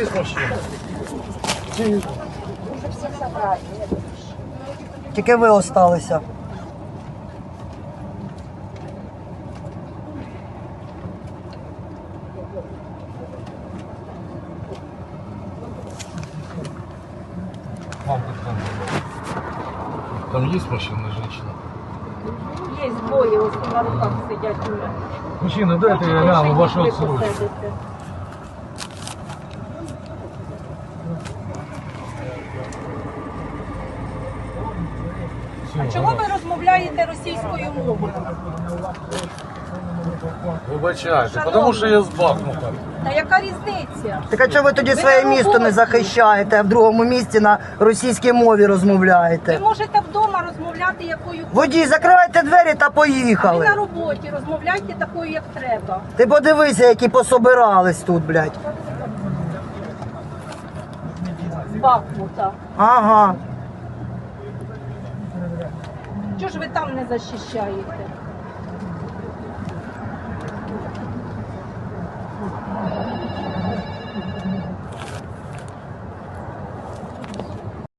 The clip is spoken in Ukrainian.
є машина? Тільки ви осталися. Мамка там есть машина, женщина? Є двоє, ось на руках сидять уже. Мужчина, дайте я гляну вашу отсрочку. А чого ви розмовляєте російською мовою? Вибачайте, тому що я з Бахмута. Та яка різниця? Так а чого ви тоді Ви своє на місто не роботі. захищаєте, а в другому місті на російській мові розмовляєте? Ви можете вдома розмовляти якою Водій, закривайте двері та ви поїхали. на роботі, розмовляйте такою, як треба. Ти подивися, які пособирались тут, блядь. З Бахмута. Ага. Чого ж ви там не захищаєте?